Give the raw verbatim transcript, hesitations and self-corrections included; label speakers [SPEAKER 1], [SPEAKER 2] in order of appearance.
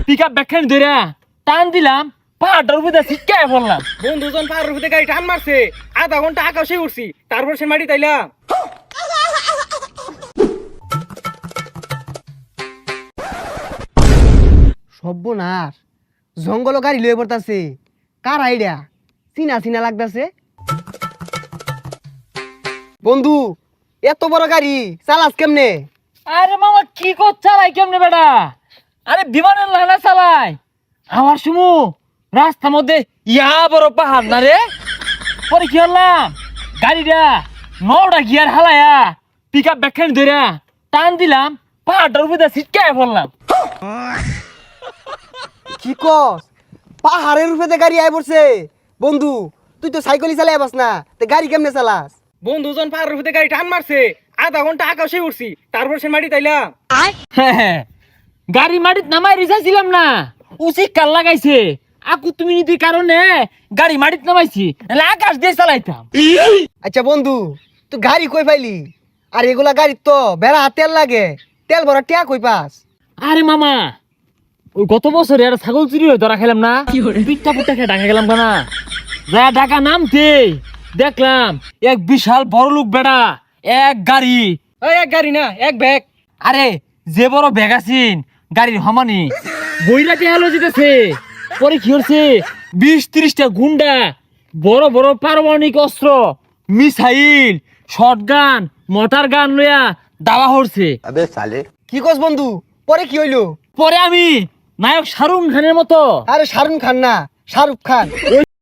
[SPEAKER 1] Pickup ব্যাখ্যান ধরে টান দিলাম, পাহাড়টার উপরে ছিটকায় পড়লাম।
[SPEAKER 2] বন্ধুজন পাহাড়ের উপরে গাড়ি টান মারছে, আধা ঘন্টা আকাশে উঠছি, তারপর সে মাটি তাইলাম।
[SPEAKER 3] সর্বনাশ, জঙ্গল গাড়ি লয়ে পড়তাছে। কার আইডিয়া? চিনা চিনা লাগতাছে। বন্ধু, এত বড় গাড়ি চালাস কেমনে?
[SPEAKER 1] আরে মামা কি কর চালাই কেমনে বেটা? আরে বিমানের লানা চালাই। আমার সুমু রাস্তার মধ্যে ইয়া বড় পাহাড় না রে। পরে কি হলাম, গাড়িটা নটা গিয়ার হালায়া পিকআপ ব্যাখ্যান ধরে টান দিলাম, পাহাড়টার উপরে ছিটকায় পড়লাম।
[SPEAKER 3] কি কস? পাহাড়ের উপরে গাড়ি আই পড়ছে। বন্ধু, তুই তো সাইকেলই চালাই পাস না, তে গাড়ি কেমনে চালাস?
[SPEAKER 2] বন্ধুজন পাহাড়ের উপরে গাড়ি টান মারছে, আধা ঘন্টা আকাশে উঠছি, তারপর সে মাটি তাইলাম।
[SPEAKER 1] গাড়ি মাটিত নামাই রিসাইছিলাম না, উচিত কাল লাগাইছে। আকু তুমি নীতির কারণে গাড়ি মাটিত নামাইছি, নাহলে আকাশ দিয়ে চালাইতাম।
[SPEAKER 3] আচ্ছা বন্ধু, তুই গাড়ি কই পাইলি? আর এগুলা গাড়ি তো বেড়া তেল লাগে, তেল ভরা টিয়া কই পাস?
[SPEAKER 1] আরে মামা, ওই গত বছরে একটা ছাগল চুরি হয়ে ধরা খেলাম না, পিঠটা পুটটা খেয়ে ঢাকা গেলাম কেনা। যা ঢাকা নামতে দেখলাম এক বিশাল বড় লোক বেড়া এক গাড়ি।
[SPEAKER 2] ওই এক গাড়ি না, এক ব্যাগ।
[SPEAKER 1] আরে যে বড় ব্যাগ আছিন গাড়ির হমানি বইরাতে হেলো যেতেছে। পরে কি হচ্ছে, বিশ ত্রিশটা গুন্ডা বড় বড় পারমাণবিক অস্ত্র, মিসাইল, শটগান, মোটর গান লইয়া দাওয়া হচ্ছে।
[SPEAKER 3] কি কস বন্ধু? পরে কি হইলো?
[SPEAKER 1] পরে আমি নায়ক শাহরুখ খানের মতো
[SPEAKER 3] আরে শাহরুখ খান না, শাহরুখ খান।